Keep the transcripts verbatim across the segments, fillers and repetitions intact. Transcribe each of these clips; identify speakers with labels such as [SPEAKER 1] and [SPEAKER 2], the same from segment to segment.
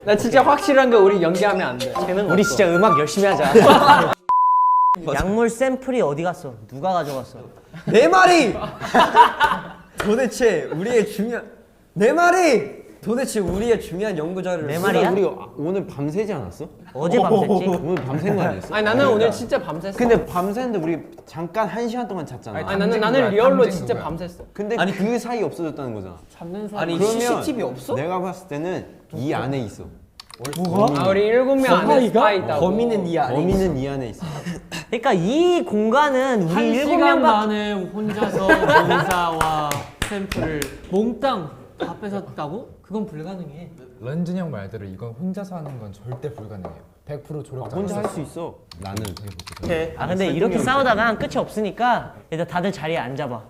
[SPEAKER 1] 나 진짜 확실한 거 우리 연기하면 안 돼.
[SPEAKER 2] 우리 진짜 음악 열심히 하자. 약물 샘플이 어디 갔어? 누가 가져갔어?
[SPEAKER 3] 내 말이 도대체 우리의 중요한 내 말이 도대체 우리의 중요한 연구 자료를
[SPEAKER 2] 내 말이야?
[SPEAKER 4] 우리 오늘 밤새지 않았어?
[SPEAKER 2] 어제 밤샜지?
[SPEAKER 4] 오늘 밤샌 거 아니었어?
[SPEAKER 1] 아니 나는 오늘 진짜 밤샜어.
[SPEAKER 4] 근데 밤새는데 우리 잠깐 한 시간 동안 잤잖아.
[SPEAKER 1] 아니 나는 나는 리얼로 진짜 밤샜어.
[SPEAKER 4] 근데
[SPEAKER 3] 아니,
[SPEAKER 4] 그 사이 없어졌다는 거잖아.
[SPEAKER 1] 잡는 사람.
[SPEAKER 3] 아니
[SPEAKER 4] 그러면
[SPEAKER 3] 씨씨티비 없어?
[SPEAKER 4] 내가 봤을 때는 이 안에 있어.
[SPEAKER 1] 아 우리 일곱 명 안에 스파 있다고.
[SPEAKER 3] 범인은 이 안에
[SPEAKER 4] 범인은 이 안에 있어.
[SPEAKER 2] 그러니까 이 공간은 우리
[SPEAKER 5] 한
[SPEAKER 2] 일곱
[SPEAKER 5] 시간
[SPEAKER 2] 명밖에
[SPEAKER 5] 만에 혼자서 공사와 샘플을 몽땅 다 뺏었다고? 그건 불가능해.
[SPEAKER 6] 런쥔 형 말대로 이건 혼자서 하는 건 절대 불가능해요. 백 퍼센트 조력자.
[SPEAKER 4] 혼자 할 수 있어. 나는.
[SPEAKER 2] 아 근데 이렇게 싸우다가 끝이 없으니까 일단 다들 자리에 앉아봐.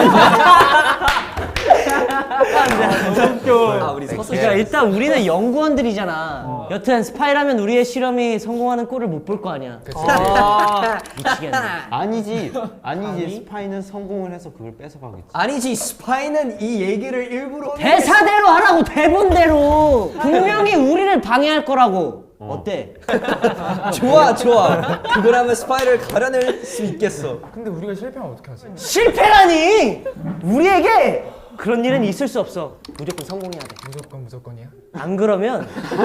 [SPEAKER 3] 아 우리 서서
[SPEAKER 2] 그러니까 일단 우리는 연구원들이잖아. 여튼 스파이라면 우리의 실험이 성공하는 꼴을 못 볼 거 아니야. 아, 미치겠네.
[SPEAKER 4] 아니지. 아니지. 스파이는 성공을 해서 그걸 뺏어가겠지.
[SPEAKER 3] 아니지 스파이는 이 얘기를 일부러
[SPEAKER 2] 대사대로 하라고, 대본대로. 분명히 우리를 방해할 거라고. 어때?
[SPEAKER 3] 좋아 좋아 그걸 하면 스파이를 가려낼 수 있겠어.
[SPEAKER 6] 근데 우리가 실패하면 어떻게 하지?
[SPEAKER 2] 실패라니! 우리에게 그런 일은 있을 수 없어. 무조건 성공해야 돼.
[SPEAKER 6] 무조건 무조건이야?
[SPEAKER 2] 안 그러면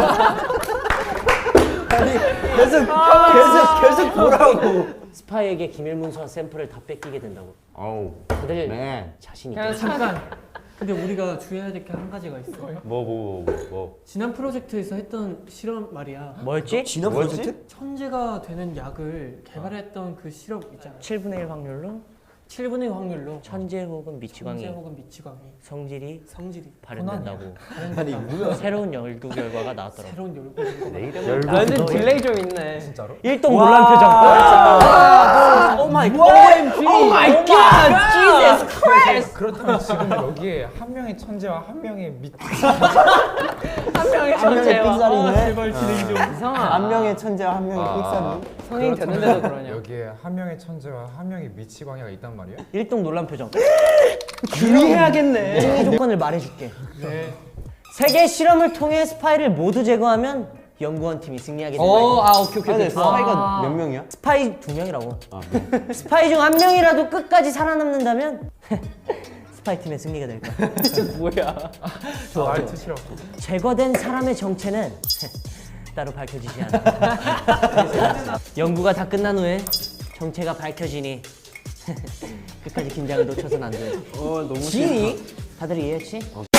[SPEAKER 3] 아니 계속 계속 계속 보라고.
[SPEAKER 2] 스파이에게 기밀문서와 샘플을 다 뺏기게 된다고.
[SPEAKER 4] 어우.
[SPEAKER 2] 다들
[SPEAKER 4] 네.
[SPEAKER 2] 자신 있게.
[SPEAKER 5] 그냥 잠깐. 근데 우리가 주의해야 될 게 한 가지가 있어.
[SPEAKER 4] 뭐 뭐 뭐 뭐.
[SPEAKER 5] 지난 프로젝트에서 했던 실험 말이야.
[SPEAKER 2] 뭐였지?
[SPEAKER 3] 진화
[SPEAKER 4] 뭐였지?
[SPEAKER 3] 프로젝트?
[SPEAKER 5] 천재가 되는 약을 개발했던 그 실험 있잖아.
[SPEAKER 2] 칠분의 일 확률로
[SPEAKER 5] 칠분의 일 확률로
[SPEAKER 2] 천재 혹은 미치광이
[SPEAKER 5] 천재 혹은 미치광이
[SPEAKER 2] 성질이
[SPEAKER 5] 성질이
[SPEAKER 2] 발현된다고.
[SPEAKER 3] 아니 뭐야?
[SPEAKER 2] 새로운 연구 결과가 나왔더라고.
[SPEAKER 5] 새로운 열고
[SPEAKER 1] 완전 딜레이 좀 있네.
[SPEAKER 6] 진짜로?
[SPEAKER 2] 일동 놀란 표정.
[SPEAKER 1] 오 마이 갓. 오 마이 갓. Jesus Christ.
[SPEAKER 6] 그렇다면 지금 여기에 한 명의 천재와 한 명의 미.
[SPEAKER 1] 한 명의
[SPEAKER 4] 한 명의
[SPEAKER 1] 천재와
[SPEAKER 4] 삑사리네.
[SPEAKER 5] 제발 진행 좀.
[SPEAKER 1] 이상아.
[SPEAKER 4] 한 명의 천재와 한 명의 삑사리.
[SPEAKER 1] 성인 됐는데도 그러냐.
[SPEAKER 6] 여기에 한 명의 천재와 한 명의 미치광이가 있단 말이야?
[SPEAKER 2] 일동 놀란 표정.
[SPEAKER 1] 주의해야겠네.
[SPEAKER 2] 승리 조건을 말해줄게.
[SPEAKER 5] 네.
[SPEAKER 2] 세계 실험을 통해 스파이를 모두 제거하면 연구원 팀이 승리하게 된다.
[SPEAKER 1] 오, 아 오케이 오케이.
[SPEAKER 4] 근데
[SPEAKER 1] 오케이.
[SPEAKER 4] 스파이가 몇 명이야?
[SPEAKER 2] 스파이 두 명이라고.
[SPEAKER 4] 아, 네.
[SPEAKER 2] 스파이 중 한 명이라도 끝까지 살아남는다면 스파이 팀의 승리가 될 거야.
[SPEAKER 1] 뭐야?
[SPEAKER 6] 말투 싫어.
[SPEAKER 2] 제거된 사람의 정체는 따로 밝혀지지 않아. 연구가 다 끝난 후에 정체가 밝혀지니 끝까지 긴장을 놓쳐선 안 돼.
[SPEAKER 4] 어 너무
[SPEAKER 2] 지니? 다들 이해했지?